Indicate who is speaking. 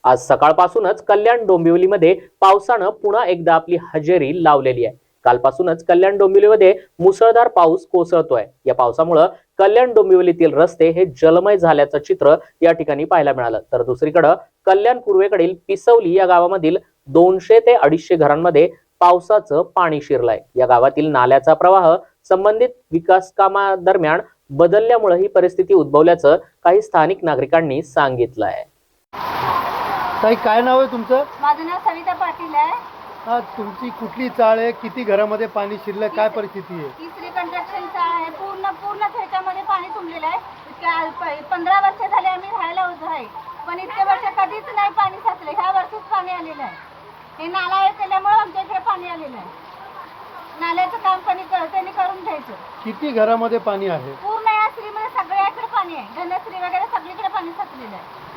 Speaker 1: आज सकाळपासूनच कल्याण डोंबिवलीमध्ये पावसानं पुन्हा एकदा आपली हजेरी लावलेली आहे। कालपासूनच कल्याण डोंबिवलीमध्ये मुसळधार पाऊस कोसळतोय। या पावसामुळे कल्याण डोंबिवलीतील रस्ते हे जलमय झाल्याचं चित्र या ठिकाणी पाहायला मिळालं। तर दुसरीकडे कल्याण पूर्वेकडील पिसवली या गावामधील 200 ते 250 घरांमध्ये पावसाचं पाणी शिरलंय। या गावातील नाल्याचा प्रवाह संबंधित विकास कामादरम्यान बदलल्यामुळे ही परिस्थिती उद्भवल्याचं काही स्थानिक नागरिकांनी सांगितलं आहे।
Speaker 2: ताई, काय नाव आहे तुमचं?
Speaker 3: माझं नाव सविता पाटील आहे।
Speaker 2: तुमची कुठली चाळ आहे? किती घरामध्ये पाणी शिरलं? काय परिस्थिती आहे?
Speaker 3: तिसरी कंस्ट्रक्शन चाळ आहे। पूर्ण त्याच्यामध्ये पाणी तुंबलेलं आहे। 15 वर्ष झाले आम्ही राहायला उभं आहे, पण इतके वर्ष कधीच नाही पाणी साचलं। ह्या वर्षीच पाणी आलेलं आहे। हे नाला आहे त्याच्यामुळे आमच्या इकडे पाणी आलेलं आहे। नाल्याचं काम त्यांनी करून घ्यायचं।
Speaker 2: किती घरामध्ये पाणी आहे?
Speaker 3: पूर्ण या श्रीमध्ये सगळ्याकडे पाणी आहे। धनश्री वगैरे सगळीकडे पाणी साचलेलं आहे।